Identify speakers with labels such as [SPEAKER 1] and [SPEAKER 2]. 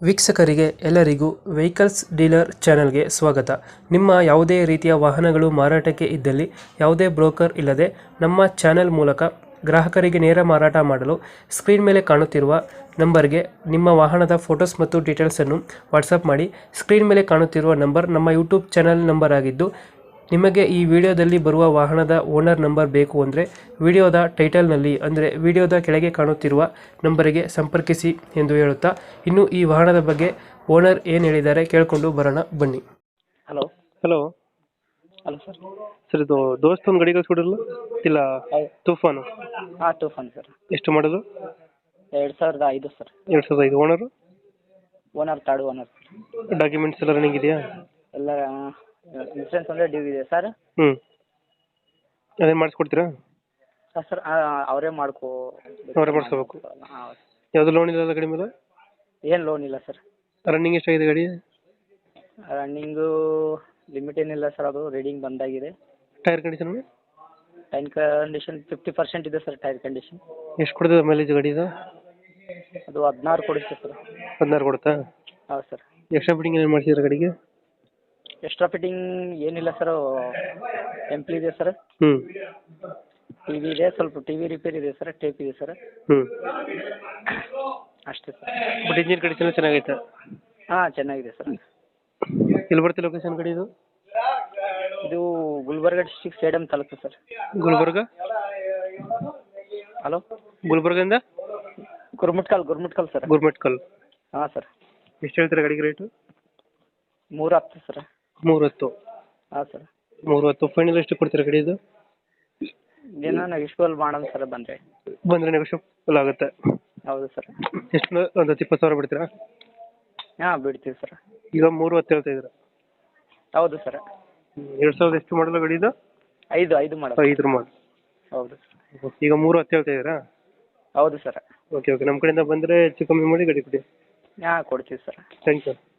[SPEAKER 1] ವೀಕ್ಷಕರಿಗೆ ಎಲ್ಲರಿಗೂ vehicles dealer ಚಾನೆಲ್ಗೆ ಸ್ವಾಗತ. ನಿಮ್ಮ ಯಾವುದೇ ರೀತಿಯ ವಾಹನಗಳು ಮಾರಾಟಕ್ಕೆ ಇದ್ದಲ್ಲಿ ಯಾವುದೇ ಬ್ರೋಕರ್ ಇಲ್ಲದೆ ನಮ್ಮ ಚಾನೆಲ್ ಮೂಲಕ ಗ್ರಾಹಕರಿಗೆ ನೇರ ಮಾರಾಟ ಮಾಡಲು ಸ್ಕ್ರೀನ್ ಮೇಲೆ ಕಾಣುತ್ತಿರುವ ನಂಬರ್ಗೆ ನಿಮ್ಮ ವಾಹನದ ಫೋಟೋಸ್ ಮತ್ತು ಡೀಟೇಲ್ಸನ್ನು ವಾಟ್ಸಪ್ ಮಾಡಿ. ಸ್ಕ್ರೀನ್ ಮೇಲೆ ಕಾಣುತ್ತಿರುವ ನಂಬರ್ ನಮ್ಮ ಯೂಟ್ಯೂಬ್ ಚಾನೆಲ್ ನಂಬರ್ ಆಗಿದ್ದು, ನಿಮಗೆ ಈ ವಿಡಿಯೋದಲ್ಲಿ ಬರುವ ವಾಹನದ ಓನರ್ ನಂಬರ್ ಬೇಕು ಅಂದರೆ ವಿಡಿಯೋದ ಟೈಟಲ್ನಲ್ಲಿ ಅಂದರೆ ವಿಡಿಯೋದ ಕೆಳಗೆ ಕಾಣುತ್ತಿರುವ ನಂಬರಿಗೆ ಸಂಪರ್ಕಿಸಿ ಎಂದು ಹೇಳುತ್ತಾ, ಇನ್ನು ಈ ವಾಹನದ ಬಗ್ಗೆ ಓನರ್ ಏನು ಹೇಳಿದ್ದಾರೆ ಕೇಳಿಕೊಂಡು ಬರೋಣ ಬನ್ನಿ.
[SPEAKER 2] Hello
[SPEAKER 1] hello
[SPEAKER 2] hello sir.
[SPEAKER 1] Sir, ಇದು ದೋಸ್ತ್ ಒಂದು ಗಾಡಿ ಕಳಿಸ್ಕೊಡಿರಲ್ಲ ಇಲ್ಲ ತೂಫಾನು?
[SPEAKER 2] ಹಾಂ ಟೂಫನ್ ಸರ್.
[SPEAKER 1] ಎಷ್ಟು ಮಾಡೋದು?
[SPEAKER 2] 2005 sir.
[SPEAKER 1] 2005. Owner?
[SPEAKER 2] Owner third owner.
[SPEAKER 1] Documents ಎಲ್ಲ ರನ್ನಿಂಗ್ ಇದೆಯಾ?
[SPEAKER 2] ಎಲ್ಲ ಇನ್ಸೂರೆನ್ಸ್ ಅಂದರೆ ಡ್ಯೂ ಇದೆ ಸರ್.
[SPEAKER 1] ಹ್ಞೂ, ಅದೇನು ಮಾಡಿಸ್ಕೊಡ್ತೀರಾ?
[SPEAKER 2] ಸರ್ ಅವರೇ
[SPEAKER 1] ಅವರೇ ಮಾಡಿಸ್ಕೋಬೇಕು.
[SPEAKER 2] ಹಾಂ.
[SPEAKER 1] ಯಾವುದು ಲೋನ್ ಇಲ್ಲ ಗಾಡಿ ಮೇಲೆ?
[SPEAKER 2] ಏನು ಲೋನ್ ಇಲ್ಲ ಸರ್.
[SPEAKER 1] ರನ್ನಿಂಗ್ ಎಷ್ಟಾಗಿದೆ ಗಾಡಿ?
[SPEAKER 2] ರನ್ನಿಂಗು ಲಿಮಿಟ್ ಏನಿಲ್ಲ ಸರ್, ಅದು ರೀಡಿಂಗ್ ಬಂದಾಗಿದೆ.
[SPEAKER 1] Tyre condition?
[SPEAKER 2] ಟೈರ್ ಕಂಡೀಷನ್ 50% ಇದೆ ಸರ್. ಟೈರ್ ಕಂಡೀಷನ್
[SPEAKER 1] ಎಷ್ಟು ಕೊಡ್ತದೆ ಮೈಲೇಜ್ ಗಾಡಿ ಇದು?
[SPEAKER 2] ಅದು 16 ಕೊಡುತ್ತೆ ಸರ್.
[SPEAKER 1] 16 ಕೊಡುತ್ತಾ?
[SPEAKER 2] ಹೌದು ಸರ್.
[SPEAKER 1] ಎಕ್ಸ್ಟ್ರಾ ಫಿಟ್ಟಿಂಗ್ ಏನು ಮಾಡಿಸಿದ್ರೆ ಗಾಡಿಗೆ?
[SPEAKER 2] ಎಕ್ಸ್ಟ್ರಾ ಫಿಟ್ಟಿಂಗ್ ಏನಿಲ್ಲ ಸರ್. ಟೆಂಪ್ಲ್ ಇದೆ ಸರ್.
[SPEAKER 1] ಹ್ಞೂ.
[SPEAKER 2] ಟಿ ವಿ ಇದೆ, ಸ್ವಲ್ಪ ಟಿ ವಿ ರಿಪೇರ್ ಇದೆ ಸರ್. ಟೇಪ್ ಇದೆ ಸರ್.
[SPEAKER 1] ಹ್ಞೂ,
[SPEAKER 2] ಅಷ್ಟೇ ಸರ್.
[SPEAKER 1] ಬಟ್ ಇಂಜಿನ್ ಕಂಡೀಷನ್ ಚೆನ್ನಾಗೈತೆ?
[SPEAKER 2] ಹಾಂ ಚೆನ್ನಾಗಿದೆ ಸರ್.
[SPEAKER 1] ಎಲ್ಲಿ ಬರುತ್ತೆ ಲೊಕೇಶನ್ ಗಾಡಿ ಇದು?
[SPEAKER 2] ಇದು Gulbarga district Sedam taluk sir.
[SPEAKER 1] Gulbarga?
[SPEAKER 2] Hello,
[SPEAKER 1] ಗುಲ್ಬರ್ಗದಿಂದ
[SPEAKER 2] ಗುರ್ಮಟ್ಕಲ್ ಸರ್.
[SPEAKER 1] ಗುರ್ಮಟ್ಕಲ್.
[SPEAKER 2] ಹಾಂ ಸರ್.
[SPEAKER 1] ಎಷ್ಟು ಹೇಳ್ತೀರಾ ಗಾಡಿಗೆ ರೇಟು?
[SPEAKER 2] 310 ಸರ್.
[SPEAKER 1] 310?
[SPEAKER 2] ಹಾಂ ಸರ್.
[SPEAKER 1] 310 ಫೈನಲ್ ಎಷ್ಟು ಕೊಡ್ತೀರಾ ಗಾಡಿ ಇದು?
[SPEAKER 2] ಏನೋ ನೆಗೋಷಿಯಬಲ್ ಮಾಡೋಣ ಸರ್
[SPEAKER 1] ಬಂದರೆ ನೆಗೋಷಿಯಬಲ್ ಆಗುತ್ತೆ?
[SPEAKER 2] ಹೌದು ಸರ್.
[SPEAKER 1] ಎಷ್ಟು, ಒಂದು 20,000 ಬಿಡ್ತೀರಾ?
[SPEAKER 2] ಹಾಂ ಬಿಡ್ತೀವಿ ಸರ್.
[SPEAKER 1] ಈಗ 310 ಹೇಳ್ತಾ ಇದ್ದೀರಾ?
[SPEAKER 2] ಹೌದು ಸರ್.
[SPEAKER 1] 2000 ಎಷ್ಟು ಮಾಡಲ್ಲ ಗಾಡಿ ಇದು?
[SPEAKER 2] 5 ಮಾಡೋದು.
[SPEAKER 1] 5 ಮಾಡಲ್.
[SPEAKER 2] ಹೌದು ಸರ್.
[SPEAKER 1] ಈಗ 310 ಹೇಳ್ತಾ ಇದ್ದೀರಾ?
[SPEAKER 2] ಹೌದು ಸರ್.
[SPEAKER 1] ಓಕೆ ಓಕೆ, ನಮ್ಮ ಕಡೆಯಿಂದ ಬಂದರೆ ಹೆಚ್ಚು ಕಮ್ಮಿ ಮಾಡಿ ಗಾಡಿ ಕೊಡಿ.
[SPEAKER 2] ಹಾಂ ಕೊಡ್ತೀವಿ ಸರ್.
[SPEAKER 1] Thank you.